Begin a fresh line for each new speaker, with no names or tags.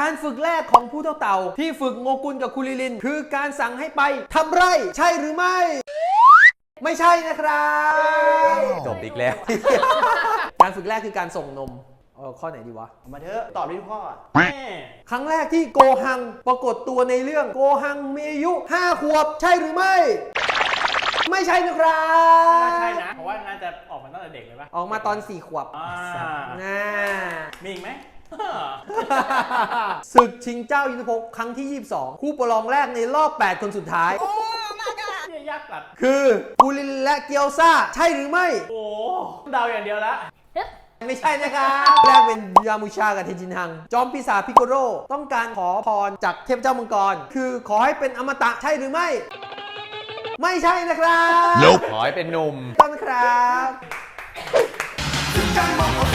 การฝึกแรกของผู้เท่าเต่าที่ฝึกโงกุลกับคุริลินคือการสั่งให้ไปทำไร่ใช่หรือไม่ไม่ใช่นะครับจบอีกแล้ว การฝึกแรกคือการส่งนมข้อไหนดีวะ
มาเถอะตอบด้วยพ่อ
ครั้งแรกที่โกฮังปรากฏตัวในเรื่องโกฮังมีอายุ5 ขวบใช่หรือไม่ไม่ใช่นะครับ
ใช่นะเพราะว่าน่าจะออกมาตั้งแต่เด็กเลยปะ
ออกมาตอน4 ขวบ
มีอีกไหม
ศึกชิงเจ้ายุทธภพครั้งที่22คู่ประลองแรกในรอบ8 คนสุดท้าย
ยากจัด
คือกูรินและเกียวซ่าใช่หรือไม่
โอ้เดาอย่างเดียวละ
ไม่ใช่นะครับแรกเป็นยามูชากับเทจินฮังจอมปีศาจพิโกโรต้องการขอพรจากเทพเจ้ามังกรคือขอให้เป็นอมตะใช่หรือไม่ไม่ใช่นะครับ
ขอให้เป็นหนุ่ม
ต้นครับ